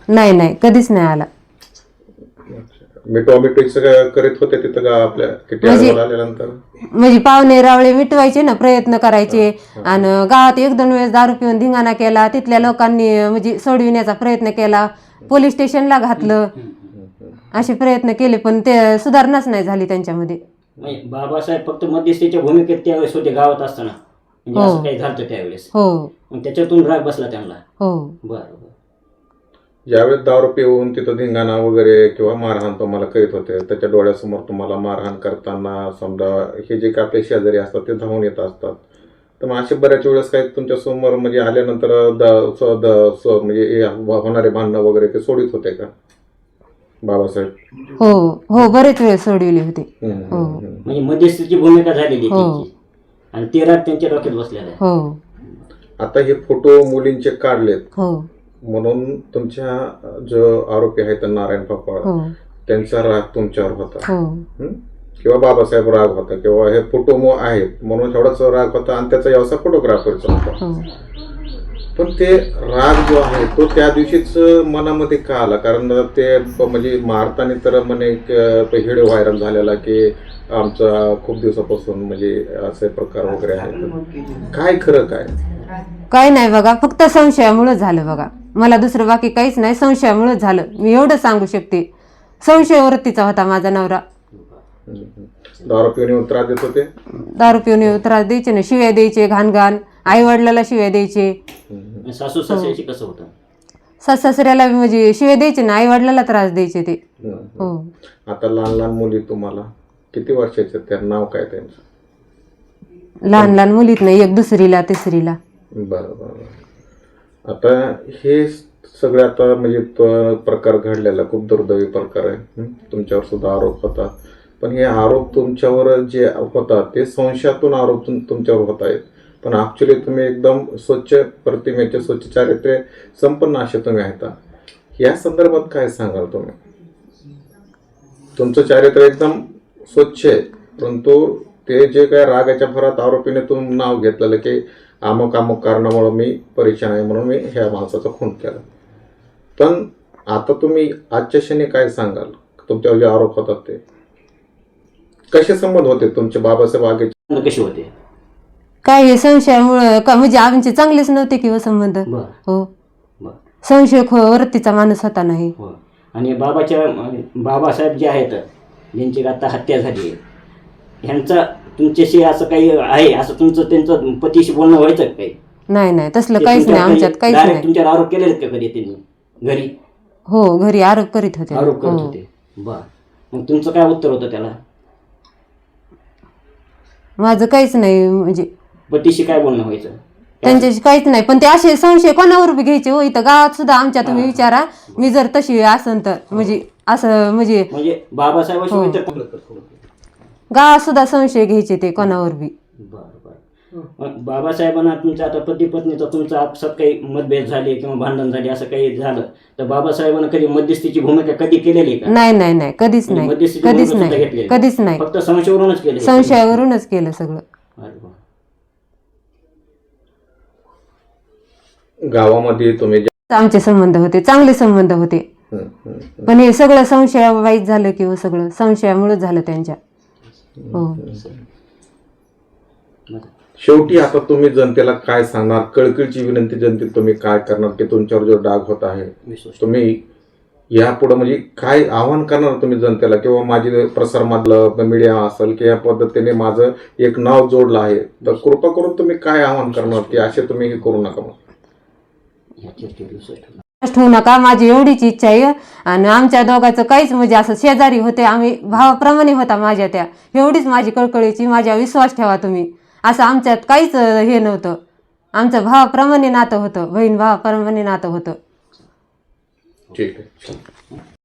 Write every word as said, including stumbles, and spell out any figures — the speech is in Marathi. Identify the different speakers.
Speaker 1: नाही नाही कधीच नाही आला.
Speaker 2: मिठवा मिठवीचं करीत होते तिथं का आपल्या किती अडवळ आल्यानंतर?
Speaker 1: म्हणजे पाहुणे रावळे मिटवायचे ना, प्रयत्न करायचे. आणि गावात एक दोन वेळेस दारू पिऊन धिंगाणा केला, तिथल्या लोकांनी म्हणजे सोडविण्याचा प्रयत्न केला, पोलीस स्टेशनला घातलं, असे प्रयत्न केले पण ते सुधारणाच नाही झाली त्यांच्यामध्ये.
Speaker 3: बाबासाहेब फक्त मध्यस्थीच्या भूमिकेत त्यावेळेस होते गावात असताना, म्हणजे असं काही झालं त्यावेळेस.
Speaker 1: हो
Speaker 3: मग त्याच्यातून राग बसला त्यांना.
Speaker 1: हो
Speaker 3: बरं.
Speaker 2: ज्यावेळेस दारू पिऊन तिथं धिंगाणा वगैरे किंवा मारहाण तुम्हाला करीत होते, त्याच्या डोळ्यासमोर तुम्हाला मारहाण करताना समजा हे जे काही आपले शेजारी असतात ते धावून येत असतात, तर मग असे बऱ्याच वेळेस काही तुमच्या समोर म्हणजे आल्यानंतर म्हणजे होणारे भांडणं वगैरे ते सोडित होते का बाबासाहेब?
Speaker 1: हो हो बरेच वेळ सोडविले होते. हो
Speaker 3: म्हणजे मध्यस्थीची भूमिका झालेली त्यांची आणि ते राग त्यांच्या डोक्यात बसलेला आहे.
Speaker 1: हो.
Speaker 2: आता हे फोटो मुलींचे काढलेत
Speaker 1: हो
Speaker 2: म्हणून तुमच्या जो आरोपी आहेत नारायण पापा
Speaker 1: हो
Speaker 2: त्यांचा राग तुमच्यावर होता
Speaker 1: हो
Speaker 2: किंवा बाबासाहेब राग होता किंवा हे फोटो आहेत म्हणून एवढाच राग होता आणि त्याचा व्यवसाय फोटोग्राफरचा होता.
Speaker 1: हो.
Speaker 2: पण ते राग जो आहे तो त्या दिवशीच मनामध्ये का आला? कारण ते म्हणजे मारताना तर म्हणे व्हिडिओ व्हायरल झालेला की आमचा खूप दिवसापासून म्हणजे असे प्रकार वगैरे आहेत, काय खरं काय?
Speaker 1: काही नाही बघा, फक्त संशयामुळे झालं बघा, मला दुसरं बाकी काहीच नाही, संशयामुळे झालं. मी एवढं सांगू शकते, संशय वृत्तीचा होता माझा नवरा.
Speaker 2: दारू पिऊन येऊन त्रास देत होते?
Speaker 1: दारू पिऊन येऊन त्रास द्यायचे ना, शिव्या द्यायचे घाण घाण, आई वडिलाला शिव्या द्यायचे.
Speaker 3: सासू सासऱ्याशी कसं होतं?
Speaker 1: सास सासऱ्याला म्हणजे शिव्या द्यायचे ना, आई वडिलाला त्रास द्यायचे ते. हो.
Speaker 2: आता लहान लहान मुली तुम्हाला किती वर्षाचे, त्या नाव काय त्यांचं?
Speaker 1: लहान लहान मुलीत नाही, एक दुसरीला तिसरीला.
Speaker 2: बरं बरं. आता हे सगळे आता म्हणजे प्रकार घडलेला खूप दुर्दैवी प्रकार आहे, तुमच्यावर सुद्धा आरोप होता, पण हे आरोप तुमच्यावर जे होतात ते संशयातून आरोप तुमच्यावर होत आहेत, पण ॲक्च्युली तुम्ही एकदम स्वच्छ प्रतिमेचे स्वच्छ चारित्र्य संपन्न असे तुम्ही आहेत. या संदर्भात काय सांगाल तुम्ही? तुमचं चारित्र्य एकदम स्वच्छ आहे, परंतु ते जे काय रागाच्या भरात आरोपीने तुम्ही नाव घेतलेलं की अमुक अमुक कारणामुळे मी परेशान आहे म्हणून मी ह्या माणसाचा खून केला, पण आता तुम्ही आजच्या क्षणी काय सांगाल? तुमच्यावर जे आरोप होतात ते कसे संबंध होते तुमचे बाबासाहेब आगे
Speaker 3: कसे होते?
Speaker 1: काय हे संशयामुळे का म्हणजे आमचे चांगलेच नव्हते किंवा संबंध. हो संशय वृत्तीचा माणूस होता नाही.
Speaker 3: आणि बाबाच्या बाबासाहेब जे आहेत ज्यांची आता हत्या झाली, ह्यांचा तुमच्याशी असं काही आहे, असं तुमचं त्यांचं पतीशी बोलणं व्हायचं काही?
Speaker 1: नाही नाही तसलं काहीच नाही आमच्यात, काहीच नाही.
Speaker 3: तुमच्यावर आरोप केले का कधी त्यांनी घरी?
Speaker 1: हो घरी आरोप करीत होते.
Speaker 3: आरोप करत होते. बर, मग तुमचं काय उत्तर होतं त्याला?
Speaker 1: माझं काहीच नाही, म्हणजे
Speaker 3: पतीशी काय बोलणं व्हायचं?
Speaker 1: त्यांच्याशी काहीच नाही, पण ते असे संशय कोणावर बी घ्यायचे हो. इथं गावात सुद्धा आमच्या तुम्ही विचारा, मी जर तशी असन तर म्हणजे असं म्हणजे
Speaker 3: म्हणजे बाबासाहेबांशी
Speaker 1: गावात सुद्धा संशय घ्यायचे ते कोणावर बी.
Speaker 3: बाबासाहेबांना तुमचा आता पती पत्नीचा तुमचा आपसात काही मतभेद झाले किंवा भांडण झाले असं काही झालं तर बाबासाहेबांना कधी मध्यस्थीची भूमिका कधी केलेली का?
Speaker 1: नाही नाही नाही कधीच नाही, कधीच नाही, कधीच नाही.
Speaker 3: फक्त संशयावरूनच केलं?
Speaker 1: संशयावरूनच केलं सगळं.
Speaker 2: गावामध्ये तुम्ही
Speaker 1: आमचे संबंध होते, चांगले संबंध होते, पण हे सगळं संशयावाईत झालं किंवा सगळं संशयामुळे झालं त्यांच्या. हो.
Speaker 2: शेवटी आता तुम्ही जनतेला काय सांगणार? कळकळीची विनंती जनतेत तुम्ही काय करणार की तुमच्यावर जो डाग होत आहे तुम्ही यापुढे म्हणजे काय आव्हान करणार तुम्ही जनतेला, किंवा माझी प्रसार माध्यम मीडिया असेल की या पद्धतीने माझं एक नाव जोडलं आहे, तर कृपा करून तुम्ही काय आव्हान करणार की असे तुम्ही हे करू नका?
Speaker 1: ठेवू नका, माझी एवढीच इच्छा आहे. आणि आमच्या दोघांचं काहीच म्हणजे असं शेजारी होते, आम्ही भावाप्रमाणे होता माझ्या, त्या एवढीच माझी कळकळीची, माझ्या विश्वास ठेवा तुम्ही. असं आमच्यात काहीच हे नव्हतं, आमचं भावाप्रमाणे नातं होतं, बहीण भावाप्रमाणे नातं होतं.
Speaker 2: ठीक आहे.